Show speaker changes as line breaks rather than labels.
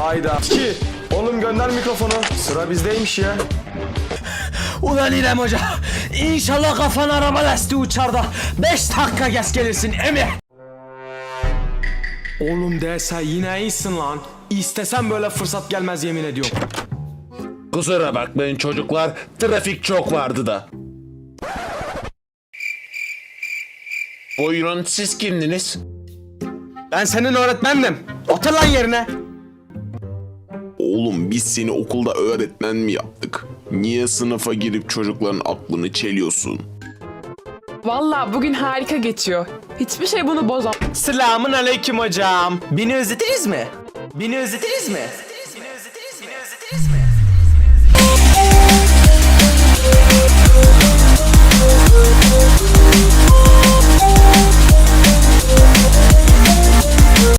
Hayda. Ki oğlum gönder mikrofonu. Sıra bizdeymiş ya.
Ulan İrem Hoca, İnşallah kafan araba lastiği uçar da 5 dakika geç gelirsin emi.
Oğlum dese yine iyisin lan. İstesem böyle fırsat gelmez yemin ediyorum.
Kusura bakmayın çocuklar, trafik çok vardı da. Buyurun, siz kimdiniz?
Ben senin öğretmendim. Otur lan yerine.
Oğlum biz seni okulda öğretmen mi yaptık? Niye sınıfa girip çocukların aklını çeliyorsun?
Vallahi bugün harika geçiyor. Hiçbir şey bunu bozamaz.
Selamun aleyküm hocam. Beni özlediniz mi? Beni özlediniz mi?